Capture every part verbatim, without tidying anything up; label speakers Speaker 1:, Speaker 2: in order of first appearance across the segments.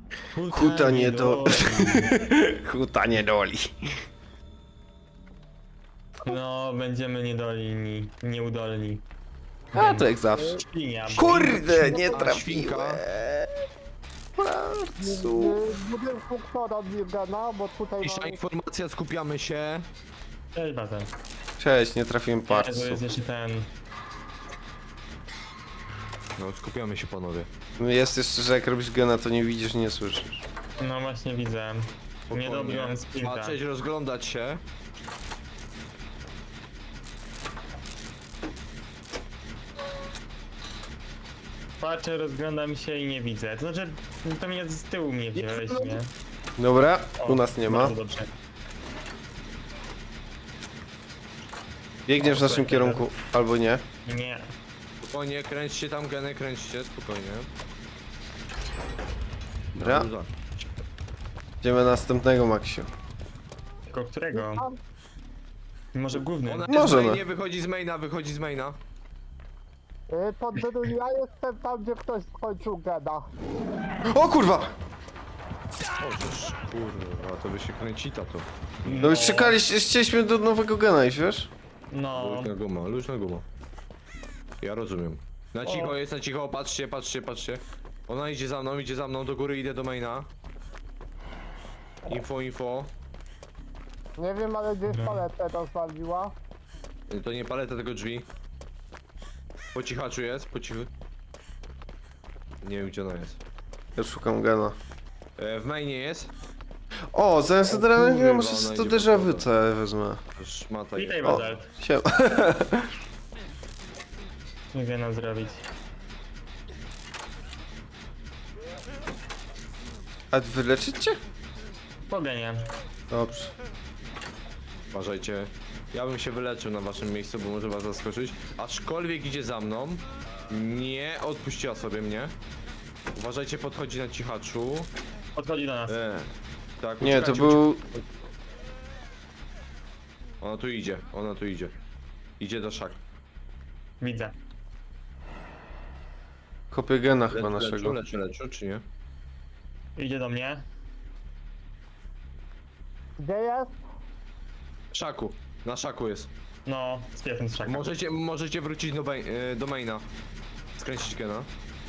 Speaker 1: Huta nie do... Huta nie doli.
Speaker 2: No, będziemy niedolni, nieudolni.
Speaker 1: A to jak zawsze.
Speaker 2: Świnia.
Speaker 1: Kurde, nie
Speaker 3: Świnka,
Speaker 1: trafiłem.
Speaker 3: świnka.
Speaker 1: Marcu.
Speaker 4: Budynku kto robi gena, bo tutaj
Speaker 3: Cisza,
Speaker 4: mamy...
Speaker 3: informacja, skupiamy się.
Speaker 2: Cześć, Bazen.
Speaker 1: Cześć, nie trafiłem
Speaker 2: To
Speaker 1: parcu.
Speaker 2: jest jeszcze ten...
Speaker 3: No, skupiamy się, panowie.
Speaker 1: Jest jeszcze, że jak robisz gena, to nie widzisz, nie słyszysz.
Speaker 2: No właśnie widzę. Nie dobiłem sprinta.
Speaker 3: Patrzeć, rozglądać się.
Speaker 2: Patrzę, rozglądam się i nie widzę. To znaczy, to mnie z tyłu mnie wziąłeś, nie?
Speaker 1: Dobra,
Speaker 2: O,
Speaker 1: u nas nie ma.
Speaker 2: bardzo dobrze.
Speaker 1: Biegniesz w naszym kierunku, albo nie.
Speaker 2: Nie.
Speaker 3: Spokojnie, kręćcie tam geny, kręćcie, spokojnie.
Speaker 1: Dobra.
Speaker 3: Dobra.
Speaker 1: Idziemy na następnego, Maksiu.
Speaker 2: Tylko którego? Może główny?
Speaker 3: Ona
Speaker 1: Możemy.
Speaker 3: jest main, nie wychodzi z maina, wychodzi z maina.
Speaker 4: Y, To Dydu, ja jestem tam, gdzie ktoś skończył gena.
Speaker 1: O kurwa!
Speaker 3: Otóż, kurwa, to by się kręci to.
Speaker 1: No już czekaliście, chcieliśmy do nowego gena iść, wiesz?
Speaker 2: No.
Speaker 3: Luźna guma, luźna guma. Ja rozumiem. Na cicho jest, na cicho, patrzcie, patrzcie, patrzcie. Ona idzie za mną, idzie za mną, do góry idę do maina. Info, info.
Speaker 4: Nie wiem, ale gdzieś paletę rozwaliła.
Speaker 3: To nie paleta, tylko drzwi. Po cichaczu jest, po cichu. Nie wiem, gdzie ona jest.
Speaker 1: Ja szukam gena.
Speaker 3: E, w mainie jest.
Speaker 1: O, zamiast adrenaliny
Speaker 3: kurwa,
Speaker 1: może
Speaker 3: ona
Speaker 1: sobie to
Speaker 3: idzie
Speaker 1: déjà
Speaker 3: pod
Speaker 1: vu
Speaker 3: wodę.
Speaker 1: całe wezmę.
Speaker 3: Szmata
Speaker 2: Witaj,
Speaker 3: jest.
Speaker 1: O,
Speaker 2: Bazalt.
Speaker 1: siema.
Speaker 2: Nie wiem nam zrobić.
Speaker 1: A wyleczyć cię?
Speaker 2: Poganie.
Speaker 1: Dobrze.
Speaker 3: Uważajcie. Ja bym się wyleczył na waszym miejscu, bo może was zaskoczyć. Aczkolwiek idzie za mną. Nie odpuściła sobie mnie. Uważajcie, podchodzi na cichaczu.
Speaker 2: Podchodzi do nas.
Speaker 3: E, tak,
Speaker 1: Nie, to
Speaker 3: uciekajcie,
Speaker 1: był...
Speaker 3: uciekajcie. Ona tu idzie, ona tu idzie. Idzie do szak.
Speaker 2: Widzę.
Speaker 1: Kopię gena chyba
Speaker 3: Lecz,
Speaker 1: naszego.
Speaker 3: Leczu, leczu, leczu, czy nie?
Speaker 2: Idzie do mnie.
Speaker 4: Gdzie jest?
Speaker 3: W szaku. Na szaku jest.
Speaker 2: No, z piesem z szaka.
Speaker 3: Możecie, możecie wrócić do, main, e, do maina. Skręcić gena.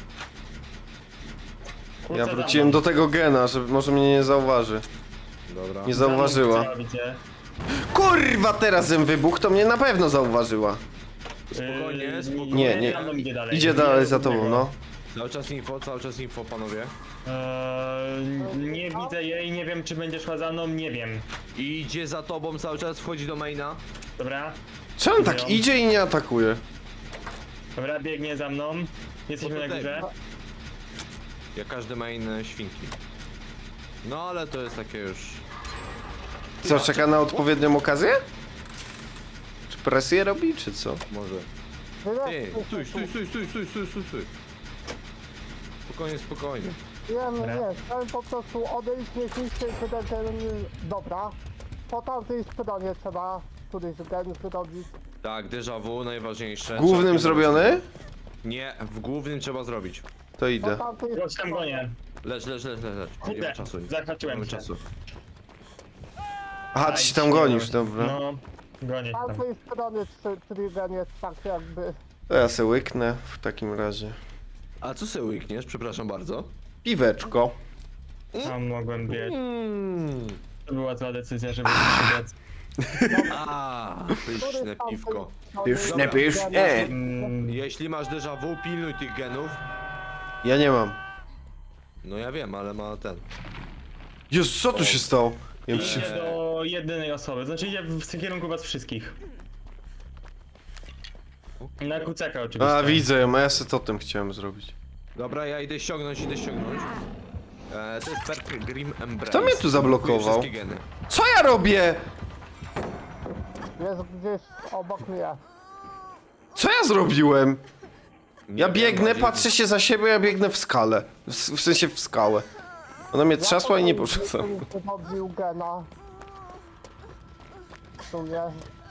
Speaker 2: Kurczę,
Speaker 1: Ja
Speaker 2: za
Speaker 1: wróciłem
Speaker 2: mną.
Speaker 1: do tego gena, że może mnie nie zauważy.
Speaker 3: Dobra.
Speaker 1: Nie
Speaker 2: Za mną
Speaker 1: zauważyła.
Speaker 2: chciała, widzicie?
Speaker 1: Kurwa, teraz jem wybuch, to mnie na pewno zauważyła.
Speaker 3: Spokojnie,
Speaker 2: Yy,
Speaker 3: spokojnie.
Speaker 1: Nie, nie.
Speaker 2: za mną idzie dalej.
Speaker 1: Idzie dalej za tobą, no.
Speaker 3: Cały czas info, cały czas info, panowie.
Speaker 2: Eee, nie widzę jej, nie wiem czy będzie szła za mną, nie wiem.
Speaker 3: Idzie za tobą, cały czas wchodzi do maina.
Speaker 2: Dobra?
Speaker 1: Czemu on tak idzie i nie atakuje?
Speaker 2: Dobra, biegnie za mną. Jesteśmy
Speaker 3: No to
Speaker 2: na górze.
Speaker 3: Jak każdy main e, świnki. No ale to jest takie już...
Speaker 1: Co, czeka na odpowiednią okazję? Czy presję robi, czy co?
Speaker 3: Może...
Speaker 4: Wyleć,
Speaker 3: Ty, stój, stój, stój, stój, stój, stój, stój, stój. Spokojnie, spokojnie.
Speaker 4: Nie, nie, nie, chciałem po prostu odejść, nie niszczyć ten, ten... Dobra. Po tamtej stronie trzeba któryś gen zrobić.
Speaker 3: Tak, déjà vu, najważniejsze.
Speaker 1: Głównym
Speaker 3: Trzeba-
Speaker 1: zrobiony?
Speaker 3: Nie, w głównym trzeba zrobić.
Speaker 1: To
Speaker 4: Po
Speaker 1: idę.
Speaker 4: tamtej
Speaker 2: Chodź tam gonię.
Speaker 3: Lecz, lecz, lecz, lecz, lecz. Nie
Speaker 2: Kurde,
Speaker 3: ma czasu.
Speaker 2: zahaczyłem
Speaker 3: Nie ma
Speaker 2: się.
Speaker 3: czasu.
Speaker 1: Aha, ty się tam gonisz, dobra.
Speaker 2: No, gonię
Speaker 4: Z
Speaker 2: się tam.
Speaker 4: tamtej strony, czy- czyli gen jest tak jakby...
Speaker 1: To ja se łyknę w takim razie.
Speaker 3: A co sobie łykniesz? Przepraszam bardzo.
Speaker 1: Piweczko.
Speaker 2: Tam mogłem biec.
Speaker 3: Mm.
Speaker 2: To była zła decyzja, żeby się biec.
Speaker 3: A, pyszne
Speaker 4: Który z tamtej
Speaker 3: piwko.
Speaker 4: strony
Speaker 1: Pyszne,
Speaker 4: gen
Speaker 1: pyszne.
Speaker 4: jest-
Speaker 2: Mm,
Speaker 3: Jeśli masz déjà vu, pilnuj tych genów.
Speaker 1: Ja nie mam.
Speaker 3: No ja wiem, ale ma ten.
Speaker 1: Jezus, co tu się stało? Ja bym się...
Speaker 2: idzie do jedynej osoby, znaczy idzie w kierunku was wszystkich. Na kucaka oczywiście.
Speaker 1: A, widzę ją, a ja se totem chciałem zrobić.
Speaker 3: Dobra, ja idę ściągnąć, idę ściągnąć. E, to jest Perk Grim Embrace.
Speaker 1: Kto mnie tu zablokował?
Speaker 3: Wszystkie geny.
Speaker 1: Co ja robię?
Speaker 4: Jest gdzieś obok mnie.
Speaker 1: Co ja zrobiłem?
Speaker 3: Nie
Speaker 1: Ja
Speaker 3: wiem,
Speaker 1: biegnę,
Speaker 3: bardziej-
Speaker 1: patrzę się za siebie, ja biegnę w skalę. W, w sensie w skałę. Ona mnie trzasła i nie poszła.
Speaker 4: Wychodził gena. W sumie.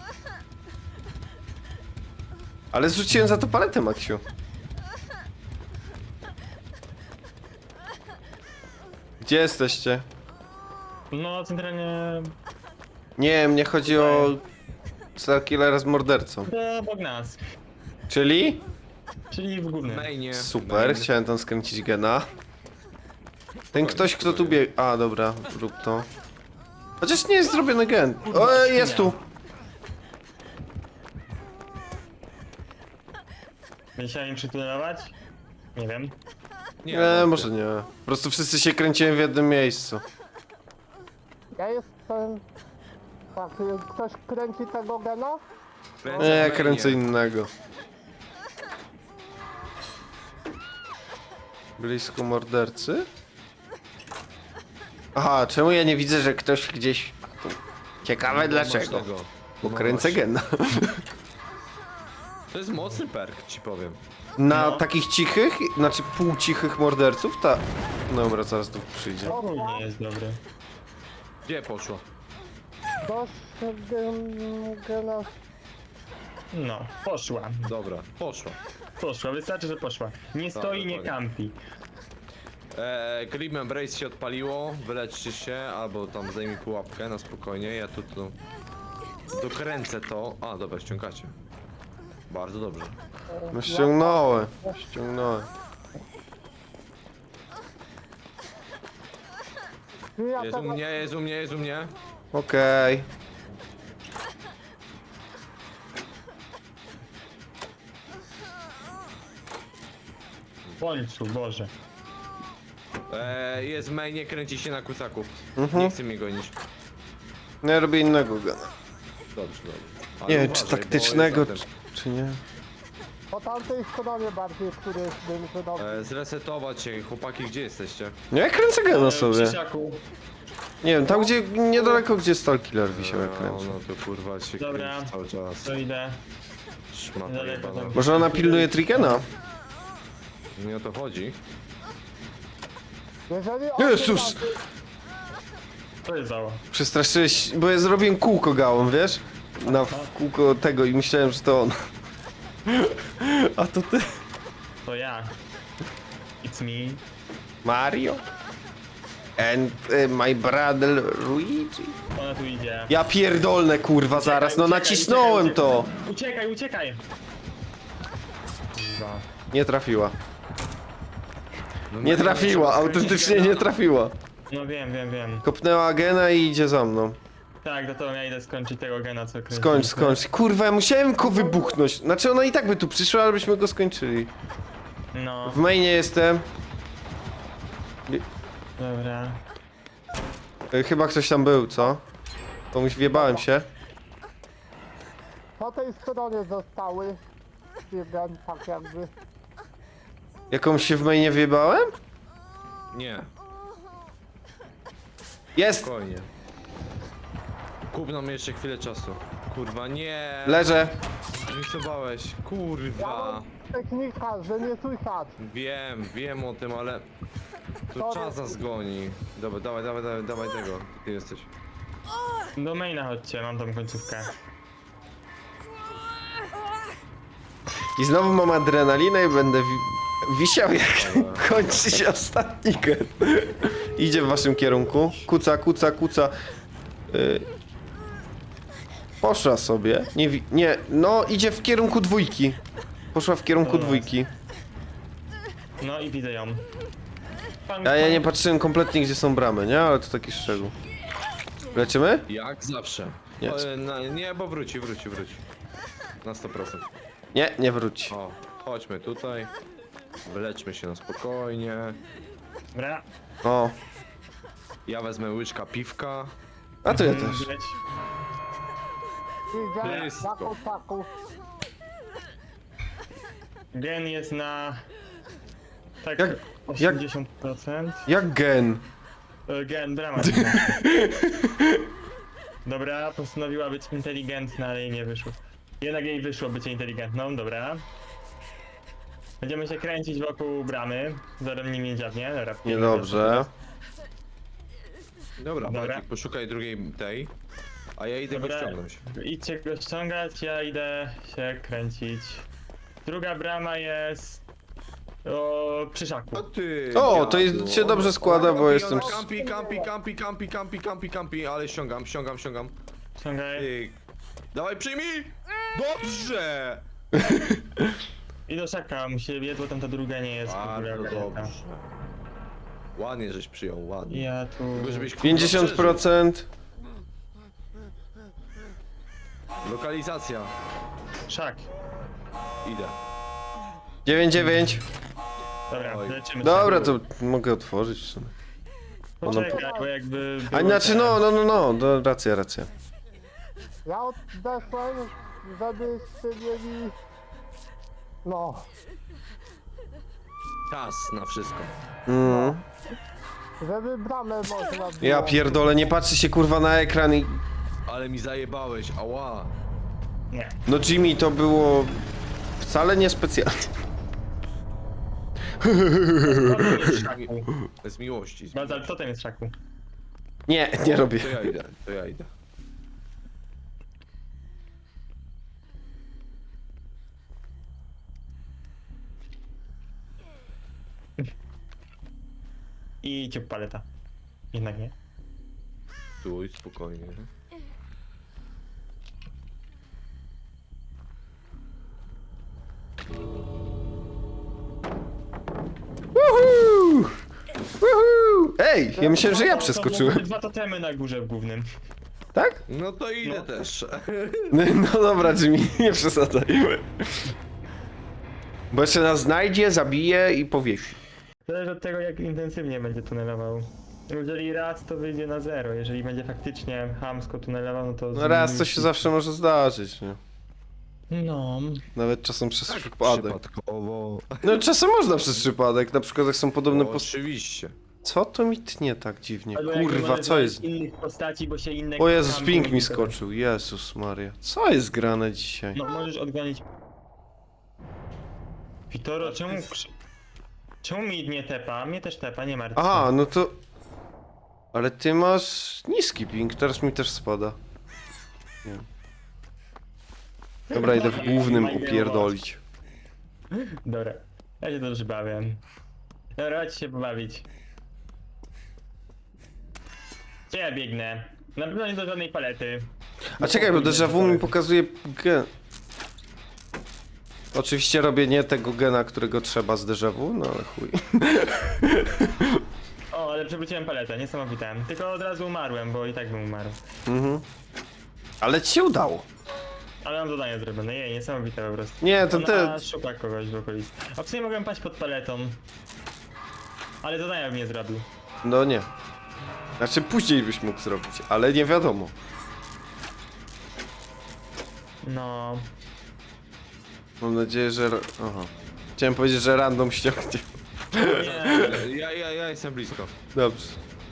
Speaker 1: Ale zrzuciłem za to paletę, Maksiu. Gdzie jesteście?
Speaker 2: No, centralnie
Speaker 1: Nie, mnie chodzi o Starkillera z mordercą.
Speaker 2: do obok nas.
Speaker 1: Czyli?
Speaker 2: Czyli w głównym.
Speaker 3: Mainie.
Speaker 1: Super,
Speaker 3: main.
Speaker 1: chciałem tam skręcić gena. Ten ktoś, kto tu biegł... A, dobra, rób to. Chociaż nie jest zrobiony gen. O, jest tu!
Speaker 2: Chciałem im przytunelować? Nie wiem.
Speaker 3: Nie,
Speaker 1: Nie,
Speaker 3: no,
Speaker 1: może nie. Po prostu wszyscy się kręciłem w jednym miejscu.
Speaker 4: Ja jestem... Tak, y, ktoś kręci tego gena?
Speaker 3: Kręcę
Speaker 1: Nie,
Speaker 3: w
Speaker 1: ja
Speaker 3: mainie.
Speaker 1: kręcę innego. Blisko mordercy? Aha, czemu ja nie widzę, że ktoś gdzieś... Tu. Ciekawe
Speaker 3: No,
Speaker 1: dlaczego.
Speaker 3: masz tego.
Speaker 1: Bo
Speaker 3: No
Speaker 1: kręcę
Speaker 3: właśnie.
Speaker 1: gena.
Speaker 3: To jest mocny perk, ci powiem.
Speaker 1: Na
Speaker 2: No.
Speaker 1: takich cichych, znaczy półcichych morderców, ta... Dobra, zaraz tu przyjdzie.
Speaker 2: Ogólnie jest dobry.
Speaker 3: Gdzie poszło?
Speaker 4: Ktoś gen, gena...
Speaker 2: No, poszła.
Speaker 3: Dobra, poszło.
Speaker 2: Poszła, wystarczy, że poszła. Nie stoi, nie
Speaker 3: dokładnie.
Speaker 2: kampi.
Speaker 3: Eee, Grim Embrace się odpaliło, wyleczcie się, albo tam zdejmij pułapkę na spokojnie, ja tu, tu dokręcę to. A, dobra, ściągacie. Bardzo dobrze.
Speaker 1: No ściągnąłem. Ściągnąłem.
Speaker 4: Ja
Speaker 3: Jest u
Speaker 4: tego...
Speaker 3: mnie, jest u mnie, jest u mnie.
Speaker 1: Okej.
Speaker 2: W końcu, Boże.
Speaker 3: Eee, jest w mainie, kręci się na kucaku.
Speaker 1: Mhm.
Speaker 3: Nie chce mnie gonić.
Speaker 1: No ja robię innego gena.
Speaker 3: Dobrze, dobrze. Ale
Speaker 1: Nie wiem,
Speaker 3: uważaj,
Speaker 1: czy
Speaker 3: bo
Speaker 1: taktycznego,
Speaker 3: jest
Speaker 1: czy,
Speaker 3: zatem-
Speaker 1: czy nie.
Speaker 4: Po tamtej stronie bardziej, który bym wydał.
Speaker 3: Eee, zresetować się, chłopaki, gdzie jesteście?
Speaker 1: No ja kręcę gena
Speaker 2: E,
Speaker 1: sobie.
Speaker 2: Krzysiaku.
Speaker 1: Nie wiem, tam gdzie, niedaleko gdzie Starkiller wisiał jak
Speaker 3: No,
Speaker 1: kręcę.
Speaker 3: no to kurwa się
Speaker 2: Dobra.
Speaker 3: kręci cały czas.
Speaker 2: To idę.
Speaker 3: Szmata
Speaker 2: Daleko
Speaker 3: jebana.
Speaker 2: tam.
Speaker 1: Może ona pilnuje Trigena?
Speaker 3: Nie o to chodzi.
Speaker 4: Jeżeli on
Speaker 1: Jezus!
Speaker 2: To jest zało.
Speaker 1: Przestraszyłeś, bo ja zrobiłem kółko gałą, wiesz? Na w kółko tego i myślałem, że to on. A to ty?
Speaker 2: To ja. It's me.
Speaker 1: Mario? And y, my brother Luigi?
Speaker 2: Ona tu idzie.
Speaker 1: Ja pierdolnę kurwa zaraz, no
Speaker 2: Uciekaj,
Speaker 1: nacisnąłem
Speaker 2: uciekaj,
Speaker 1: to!
Speaker 2: Uciekaj, uciekaj! Kurwa.
Speaker 1: Nie trafiła.
Speaker 3: No,
Speaker 1: Nie
Speaker 3: no,
Speaker 1: trafiła, autentycznie nie trafiła.
Speaker 2: No wiem, wiem, wiem.
Speaker 1: Kopnęła gena i idzie za mną.
Speaker 2: Tak, do tego ja idę skończyć tego gena, co kręciliśmy.
Speaker 1: Skończ, skończ. Kurwa, ja musiałem go wybuchnąć. Znaczy ona i tak by tu przyszła, ale byśmy go skończyli.
Speaker 2: No,
Speaker 1: W mainie jestem.
Speaker 2: dobra.
Speaker 1: Y, Chyba ktoś tam był, co? Komuś wjebałem się.
Speaker 4: po tej stronie zostały. Gen, tak jakby.
Speaker 1: Jakąś się w mainie wjebałem?
Speaker 3: Nie,
Speaker 1: Jest!
Speaker 3: spokojnie. Kup nam jeszcze chwilę czasu. Kurwa, nie!
Speaker 1: Leżę.
Speaker 3: Zmisowałeś, kurwa.
Speaker 4: Technika, że nie słychać.
Speaker 3: Wiem, wiem o tym, ale... Tu
Speaker 4: Sorry.
Speaker 3: czas nas goni. Dobra, dawaj, dawaj, dawaj, dawaj tego. Ty jesteś.
Speaker 2: Do maina chodźcie, mam tą końcówkę.
Speaker 1: I znowu mam adrenalinę i będę wi wisiał jak kończy się ostatni gen. Idzie w waszym kierunku. Kuca, kuca, kuca. Y Poszła sobie. Nie, wi- nie, no idzie w kierunku dwójki. Poszła w kierunku
Speaker 2: Dobra.
Speaker 1: dwójki.
Speaker 2: No i widzę ją. Pan,
Speaker 1: A ja
Speaker 2: pan-
Speaker 1: nie patrzyłem kompletnie gdzie są bramy, nie? Ale to taki szczegół. Leczymy?
Speaker 3: Jak zawsze.
Speaker 1: Nie.
Speaker 3: O, na, nie, bo wróci, wróci, wróci. Na sto procent.
Speaker 1: Nie, nie wróci.
Speaker 3: O, chodźmy tutaj. Wyleczmy się na spokojnie.
Speaker 2: Dobra.
Speaker 1: O,
Speaker 3: Ja wezmę łyżka piwka.
Speaker 1: a to ja
Speaker 2: Mm,
Speaker 1: też.
Speaker 2: leć.
Speaker 4: Idzie na
Speaker 3: Blisko.
Speaker 4: kotaku.
Speaker 2: Gen jest na... Tak,
Speaker 1: Jak-
Speaker 2: osiemdziesiąt procent.
Speaker 1: Jak gen?
Speaker 2: E, Gen, brama. Dobra, postanowiła być inteligentna, ale jej nie wyszło. Jednak jej wyszło bycie inteligentną, dobra. Będziemy się kręcić wokół bramy. Zaraz nim nie dziabnie, dobra.
Speaker 1: Niedobrze.
Speaker 3: Dobra,
Speaker 2: Dobra.
Speaker 3: Bartik, poszukaj drugiej tej. A ja idę go
Speaker 2: Dobra.
Speaker 3: ściągnąć.
Speaker 2: Idźcie go ściągać, ja idę się kręcić. Druga brama jest... O, przy szaku.
Speaker 3: O ty,
Speaker 1: O, to
Speaker 3: dziadu.
Speaker 1: jest- się dobrze składa, bo
Speaker 3: Kampi,
Speaker 1: jestem-
Speaker 3: ona Kampi, kampi, kampi, kampi, kampi, kampi, kampi, ale ściągam, ściągam, ściągam.
Speaker 2: Ściągaj.
Speaker 3: Ty. Dawaj, przyjmij! Dobrze!
Speaker 2: I do szaka musi biec, bo tam ta druga nie jest w ogóle
Speaker 3: Bardzo
Speaker 2: ogarnięta.
Speaker 3: dobrze. Ładnie żeś przyjął, ładnie.
Speaker 2: Ja tu...
Speaker 3: Tylko żebyś kurwa
Speaker 1: pięćdziesiąt procent.
Speaker 3: przeżył. Lokalizacja.
Speaker 2: Szak.
Speaker 3: Idę.
Speaker 1: dziewięć dziewięć.
Speaker 2: Dobra,
Speaker 3: Oj.
Speaker 2: leczymy
Speaker 1: Dobra,
Speaker 2: szak.
Speaker 1: to mogę otworzyć w sumie.
Speaker 2: Poczekaj, bo jakby...
Speaker 1: A
Speaker 2: było
Speaker 1: znaczy,
Speaker 2: ten-
Speaker 1: no, no, no, no, no racja, racja.
Speaker 4: Ja odeszłem, żebyście mieli... No,
Speaker 3: Czas na wszystko.
Speaker 1: Mm.
Speaker 4: żeby bramę można było.
Speaker 1: Ja pierdolę, nie patrzy się kurwa na ekran i...
Speaker 3: Ale mi zajebałeś, ała.
Speaker 2: Nie.
Speaker 1: No Jimmy, to było... wcale niespecjalnie.
Speaker 2: Totem jest w szaku.
Speaker 3: Z miłości. Z
Speaker 2: Bazal,
Speaker 3: miłości.
Speaker 2: totem jest w szaku.
Speaker 1: Nie, nie robię.
Speaker 3: To ja idę, to ja idę.
Speaker 2: I ciup paleta. Jednak nie.
Speaker 3: Stój, spokojnie.
Speaker 1: Woohoo! Woohoo! Ej, ja myślałem, że ja
Speaker 2: To- to były
Speaker 1: przeskoczyłem.
Speaker 2: Dwa totemy na górze w głównym.
Speaker 1: Tak?
Speaker 3: No to idę
Speaker 2: No.
Speaker 3: też.
Speaker 1: No, no dobra, Jimmy, nie przesadzaj. Bo jeszcze nas znajdzie, zabije i powiesi.
Speaker 2: Zależy od tego, jak intensywnie będzie tunelował. Jeżeli raz, to wyjdzie na zero. Jeżeli będzie faktycznie chamsko tunelował, no to...
Speaker 1: No raz to się zawsze może zdarzyć, nie?
Speaker 2: No...
Speaker 1: Nawet czasem przez przypadek.
Speaker 3: Przypadkowo.
Speaker 1: No czasem można przez przypadek, na przykład jak są podobne
Speaker 3: No,
Speaker 1: postacie.
Speaker 3: oczywiście.
Speaker 1: Co to mi tnie tak dziwnie?
Speaker 2: Albo jak
Speaker 1: Kurwa,
Speaker 2: możesz
Speaker 1: co
Speaker 2: znaleźć
Speaker 1: jest?
Speaker 2: innych postaci, bo się inne...
Speaker 1: O Jezus,
Speaker 2: tam-
Speaker 1: ping mi skoczył, Jezus Maria. Co jest grane dzisiaj?
Speaker 2: No możesz odgonić... Witoro, czemu... krzy- Czemu mi nie tepa? Mnie też tepa, nie martw się.
Speaker 1: Aha, no to... Ale ty masz niski ping, teraz mi też spada. Nie. Dobra, idę w głównym upierdolić.
Speaker 2: Dobra, ja się dobrze bawię. Dobra, chodź się pobawić. Gdzie ja biegnę? Na pewno nie do żadnej palety.
Speaker 1: A czekaj, bo déjà vu mi pokazuje gen. Oczywiście robię nie tego gena, którego trzeba z déjà vu, no ale chuj.
Speaker 2: O, ale przewróciłem paletę, niesamowite. Tylko od razu umarłem, bo i tak bym umarł.
Speaker 1: Mhm. Ale ci się udało.
Speaker 2: Ale mam zadanie zrobione, jej, niesamowite po prostu.
Speaker 1: Nie, to
Speaker 2: Ona
Speaker 1: te...
Speaker 2: szuka kogoś w okolicy. A w sumie mogłem paść pod paletą. Ale zadania bym nie zrobił.
Speaker 1: No nie. Znaczy później byś mógł zrobić, ale nie wiadomo.
Speaker 2: No...
Speaker 1: Mam nadzieję, że... ra- Aha. Chciałem powiedzieć, że random ściągnie.
Speaker 2: Nie.
Speaker 3: Ja, ja, ja jestem blisko.
Speaker 1: Dobrze.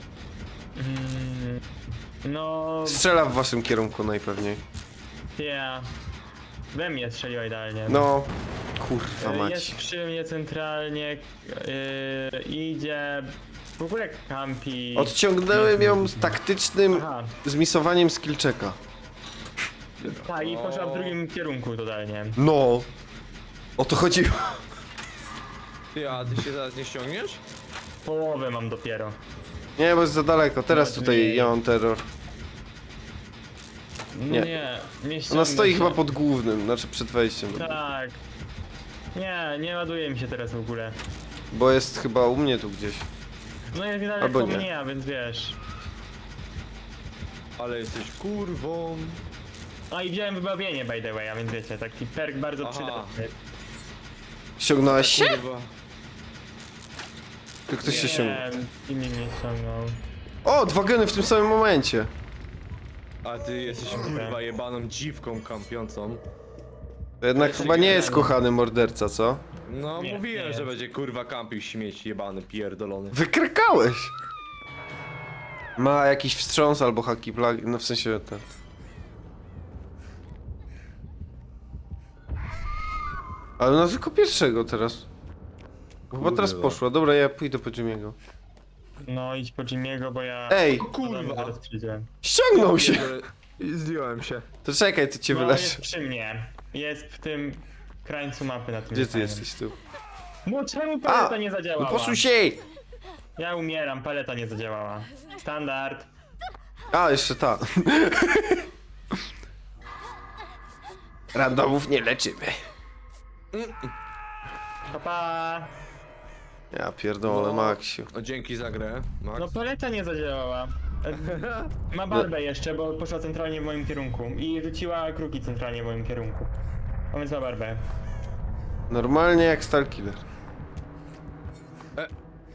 Speaker 2: Mm, no...
Speaker 1: Strzela w waszym kierunku najpewniej.
Speaker 2: Ja... We mnie strzeliła idealnie.
Speaker 1: No. Kurwa
Speaker 2: Y,
Speaker 1: mać.
Speaker 2: Jest przy mnie centralnie, yy, idzie, w ogóle kampi.
Speaker 1: Odciągnąłem ją z taktycznym
Speaker 2: Aha,
Speaker 1: zmisowaniem skillczeka.
Speaker 2: tak i poszła w drugim kierunku totalnie.
Speaker 1: No. O to chodziło.
Speaker 3: Ty, a ty się zaraz nie ściągniesz?
Speaker 2: Połowę mam dopiero.
Speaker 1: Nie, bo jest za daleko. Teraz
Speaker 2: No,
Speaker 1: tutaj
Speaker 2: nie.
Speaker 1: ja mam terror. Nie.
Speaker 2: Nie, nie, nie
Speaker 1: Ona
Speaker 2: ściągnę
Speaker 1: stoi
Speaker 2: się.
Speaker 1: chyba pod głównym, znaczy przed wejściem. do-
Speaker 2: Tak. Nie, nie ładuje mi się teraz w ogóle.
Speaker 1: Bo jest chyba u mnie tu gdzieś.
Speaker 2: No jest
Speaker 1: Albo
Speaker 2: daleko
Speaker 1: nie.
Speaker 2: mnie, a więc wiesz.
Speaker 3: Ale jesteś kurwą.
Speaker 2: A i wziąłem wybawienie by the way, a więc wiecie, taki perk bardzo
Speaker 3: Aha.
Speaker 2: przydatny.
Speaker 1: Ściągnąłeś się?
Speaker 3: Kurwa.
Speaker 1: Czy ktoś się ściągnął?
Speaker 2: Nie, inni mnie ściągnął.
Speaker 1: O, dwa geny w tym samym momencie.
Speaker 3: A ty jesteś kurwa jebaną dziwką kampiącą.
Speaker 1: To jednak
Speaker 2: jest
Speaker 1: chyba nie jest
Speaker 2: oryginalny.
Speaker 1: kochany morderca, co?
Speaker 3: No
Speaker 2: Nie,
Speaker 3: mówiłem,
Speaker 2: nie.
Speaker 3: że będzie kurwa kampił śmieć jebany, pierdolony.
Speaker 1: Wykrykałeś! Ma jakiś wstrząs albo haki plagi, no w sensie ten. Ale no tylko pierwszego teraz. Chyba teraz
Speaker 3: Kurwa.
Speaker 1: poszła. Dobra, ja pójdę po Jimmy'ego.
Speaker 2: No idź po Jimmy'ego, bo ja...
Speaker 1: Ej,
Speaker 3: Kurwa.
Speaker 2: Zaraz przyjdziemy.
Speaker 1: ściągnął się!
Speaker 3: Zdjąłem się.
Speaker 1: To czekaj, to cię
Speaker 2: No
Speaker 1: wyleszę.
Speaker 2: jest przy mnie. Jest w tym krańcu mapy na tym
Speaker 1: Gdzie ty
Speaker 2: ekranie.
Speaker 1: jesteś tu?
Speaker 2: No czemu paleta
Speaker 1: A!
Speaker 2: nie
Speaker 1: No
Speaker 2: zadziałała?
Speaker 1: posuń się!
Speaker 2: Ja umieram, paleta nie zadziałała. Standard.
Speaker 1: A, jeszcze ta. Randomów nie leczymy.
Speaker 2: Pa, pa.
Speaker 1: Ja pierdolę, Maksiu.
Speaker 3: O, dzięki za grę, Max.
Speaker 2: No paleta nie zadziałała. E, Ma barbę jeszcze, bo poszła centralnie w moim kierunku. I rzuciła kruki centralnie w moim kierunku. A więc ma barbę.
Speaker 1: Normalnie jak Starkiller.
Speaker 3: E.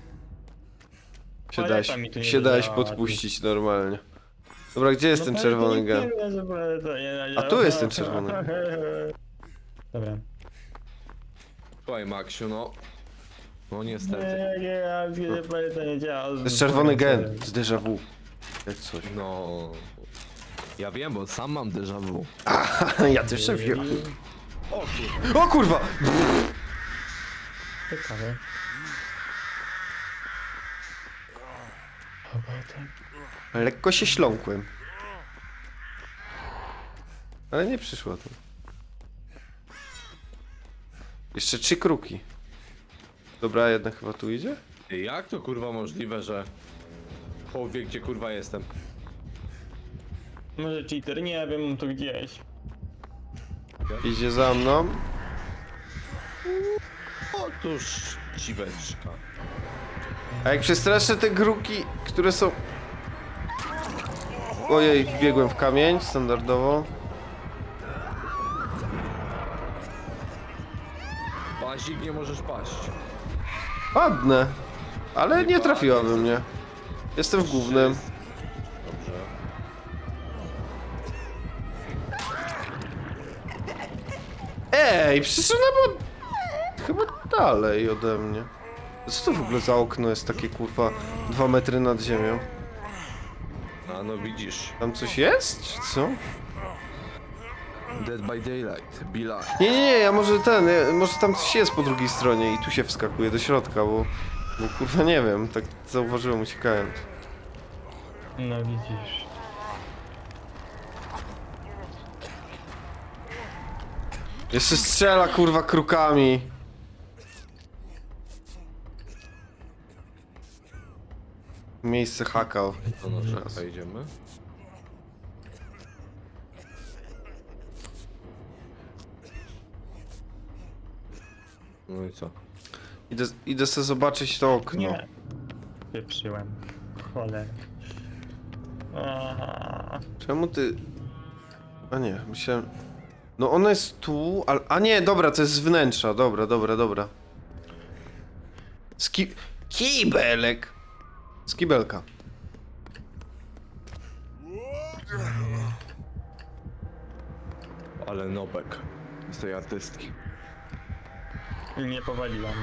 Speaker 1: Się
Speaker 2: Paleta
Speaker 1: dałeś,
Speaker 2: mi tu nie
Speaker 1: się dałeś
Speaker 2: zadziałała.
Speaker 1: podpuścić normalnie. Dobra, gdzie jest
Speaker 2: No
Speaker 1: ten
Speaker 2: paleta
Speaker 1: czerwony
Speaker 2: nie
Speaker 1: gen?
Speaker 2: wiem, że paleta nie zadziałała.
Speaker 1: tu jest ten czerwony.
Speaker 2: Dobra.
Speaker 3: Słuchaj, Maksiu, no. No niestety.
Speaker 2: Nie, nie, ja wiem, paleta nie działa.
Speaker 1: To jest czerwony gen z déjà vu. Jak coś.
Speaker 3: No. Ja wiem, bo sam mam déjà vu.
Speaker 1: Ja też się wiem.
Speaker 3: O kurwa.
Speaker 1: O kurwa!
Speaker 2: Ciekawe.
Speaker 1: Lekko się śląkłem. Ale nie przyszło to. Jeszcze trzy kruki. Dobra, jedna chyba tu idzie?
Speaker 3: Jak to kurwa możliwe, że chłop wie, gdzie kurwa jestem?
Speaker 2: Może cheater, nie wiem, mam tu gdzieś.
Speaker 1: Idzie za mną.
Speaker 3: Otóż dziweczka.
Speaker 1: A jak przestraszę te kruki, które są... Ojej, wbiegłem w kamień, standardowo.
Speaker 3: Pazik, nie możesz paść.
Speaker 1: Ładne. Ale nie trafiłaby mnie. Jestem w głównym.
Speaker 3: Dobrze.
Speaker 1: Ej, przecież ona była... Chyba dalej ode mnie. Co to w ogóle za okno jest takie, kurwa, dwa metry nad ziemią?
Speaker 3: A no widzisz.
Speaker 1: Tam coś jest, czy co?
Speaker 3: Dead by Daylight, be like.
Speaker 1: Nie, nie, nie, ja może ten, ja, może tam coś jest po drugiej stronie i tu się wskakuje do środka, bo... Bo kurwa nie wiem, tak zauważyłem uciekając.
Speaker 2: No widzisz.
Speaker 1: Jeszcze strzela, kurwa, krukami. Miejsce hakał.
Speaker 3: To na szybko idziemy. No i co?
Speaker 1: Idę, idę sobie zobaczyć to okno.
Speaker 2: Nie. Pieprzyłem. Cholera. Aha.
Speaker 1: Czemu ty... A nie, myślałem... No ona jest tu, ale... A nie, dobra, to jest z wnętrza, dobra, dobra, dobra. Ski... Kibelek! Skibelka.
Speaker 3: Ale nobek z tej artystki.
Speaker 2: Nie powaliłam.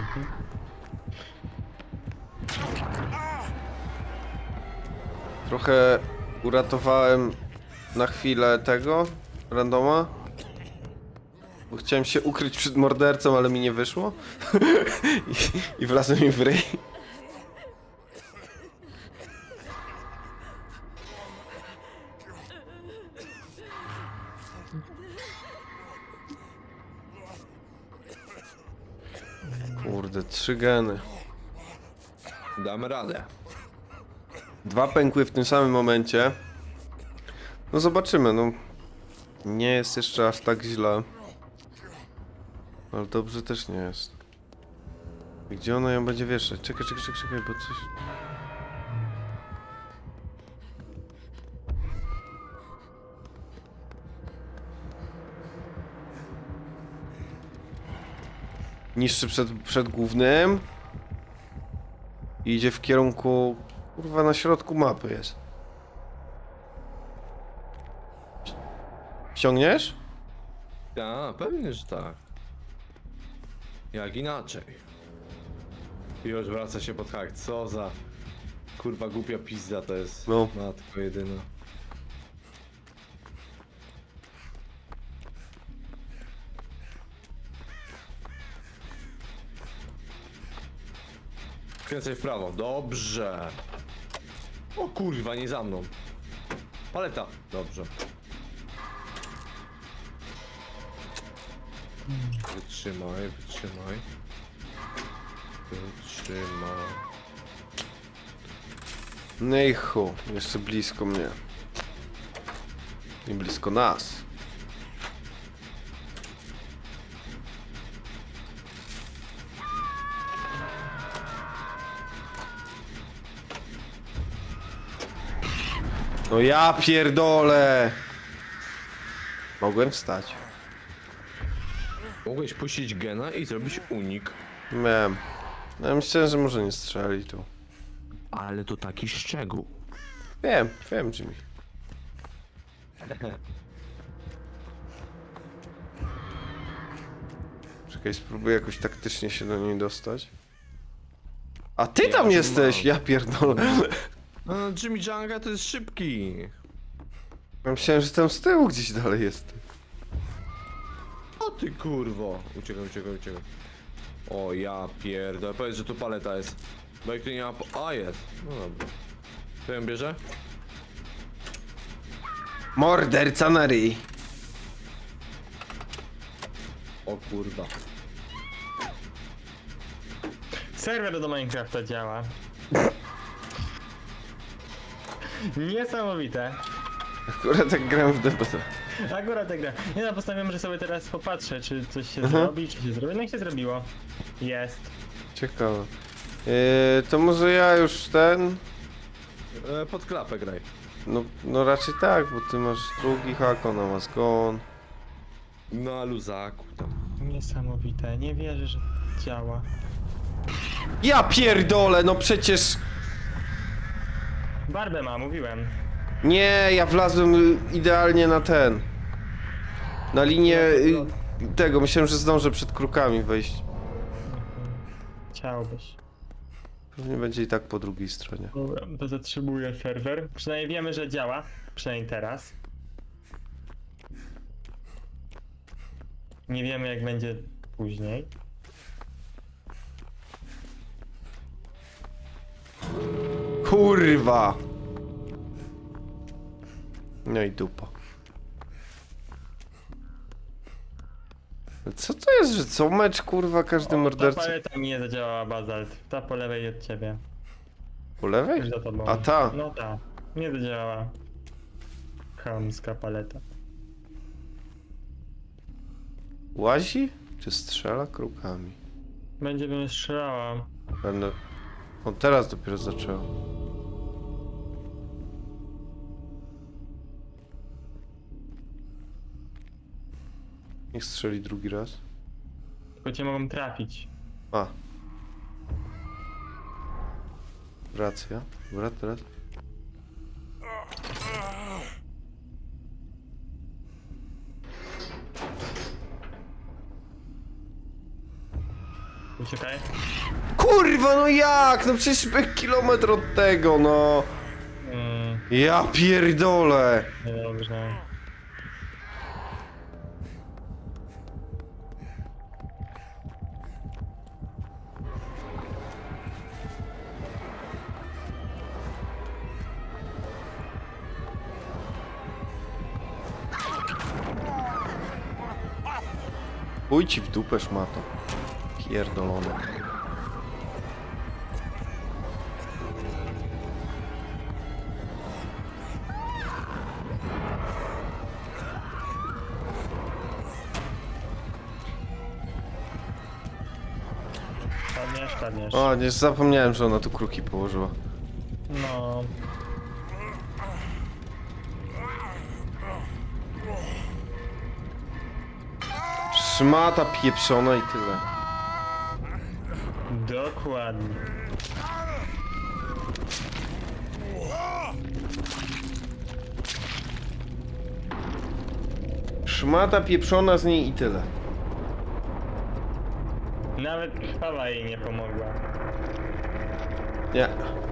Speaker 1: Trochę uratowałem na chwilę tego randoma. Bo chciałem się ukryć przed mordercą, ale mi nie wyszło. I, i wlazłem mi w ryj. Kurde, trzy geny.
Speaker 3: Damy radę.
Speaker 1: Dwa pękły w tym samym momencie. No zobaczymy, no. Nie jest jeszcze aż tak źle. Ale dobrze też nie jest. Gdzie ona ją będzie wieszać? Czekaj, czekaj, czekaj, czekaj, bo coś... Niższy przed, przed głównym. I idzie w kierunku... Kurwa, na środku mapy jest. Ściągniesz?
Speaker 3: A, pewnie, że tak. Jak inaczej. I już wraca się pod hak. Co za kurwa głupia pizda to jest.
Speaker 1: No.
Speaker 3: Matko jedyna. Kręcaj w prawo. Dobrze. O kurwa, nie za mną. Paleta. Dobrze. Wytrzymaj, wytrzymaj. Trzyma.
Speaker 1: No i chu, jeszcze blisko mnie. I blisko nas. No ja pierdolę! Mogłem wstać.
Speaker 3: Mogłeś puścić gena i zrobić unik.
Speaker 1: Miałem. No ja myślałem, że może nie strzeli tu.
Speaker 3: Ale to taki szczegół.
Speaker 1: Wiem, wiem Jimmy. Czekaj, spróbuję jakoś taktycznie się do niej dostać. A ty
Speaker 3: Ja
Speaker 1: tam
Speaker 3: już
Speaker 1: jesteś!
Speaker 3: mam.
Speaker 1: Ja pierdolę.
Speaker 3: No, Jimmy Janga to jest szybki.
Speaker 1: Ja myślałem, że tam z tyłu gdzieś dalej jest.
Speaker 3: O ty kurwo. Uciekaj, uciekaj, uciekaj. O ja pierdolę. Powiedz, że tu paleta jest. Bo jak tu nie ma... po- A jest. No dobra. To ją bierze?
Speaker 1: Morderca na ryj.
Speaker 3: O kurwa.
Speaker 2: Serwer do Minecrafta działa. Niesamowite.
Speaker 1: Akurat tak gram w D B T.
Speaker 2: Akurat tak gra. Nie no, postanowiłem, że sobie teraz popatrzę, czy coś się
Speaker 1: Mhm.
Speaker 2: zrobi, czy się zrobi. No i się zrobiło. Jest.
Speaker 1: Ciekawe. Yy, to może ja już ten...
Speaker 3: E, pod klapę graj.
Speaker 1: No, no raczej tak, bo ty masz drugi hak, ona ma zgon.
Speaker 3: Na luzaku tam.
Speaker 2: Niesamowite. Nie wierzę, że działa.
Speaker 1: Ja pierdolę, no przecież...
Speaker 2: Barbę ma, mówiłem.
Speaker 1: Nie, ja wlazłem y, idealnie na ten. Na linię y, tego, myślałem, że zdążę przed krukami wejść.
Speaker 2: Chciałbyś.
Speaker 1: Pewnie będzie i tak po drugiej stronie.
Speaker 2: Dobra, to zatrzymuję serwer. Przynajmniej wiemy, że działa. Przynajmniej teraz. Nie wiemy, jak będzie później.
Speaker 1: Kurwa! No i dupa. Co to jest, że co mecz kurwa każdy
Speaker 2: Ta
Speaker 1: morderca?
Speaker 2: paleta mi nie zadziałała, Bazalt. Ta po lewej od ciebie.
Speaker 1: Po lewej?
Speaker 2: Już za tobą.
Speaker 1: A ta?
Speaker 2: No ta. Nie zadziałała. Chamska paleta.
Speaker 1: Łazi? Czy strzela krukami?
Speaker 2: Będzie bym strzelała.
Speaker 1: Będę... On teraz dopiero zaczął. Niech strzeli drugi raz.
Speaker 2: Tylko cię mogą trafić.
Speaker 1: A. Racja. Dobra, teraz.
Speaker 2: Uciekaj.
Speaker 1: Kurwa, no jak? No przecież byłem kilometr od tego, no.
Speaker 2: Mm,
Speaker 1: Ja pierdolę.
Speaker 2: niedobrze.
Speaker 1: Pójdź ci w dupę, szmato. Pierdolone.
Speaker 2: Padniesz, padniesz.
Speaker 1: O, nie zapomniałem, że ona tu kruki położyła.
Speaker 2: No.
Speaker 1: Szmata pieprzona i tyle.
Speaker 2: Dokładnie.
Speaker 1: Szmata pieprzona z niej i tyle.
Speaker 2: Nawet krwawa jej nie pomogła.
Speaker 1: Nie.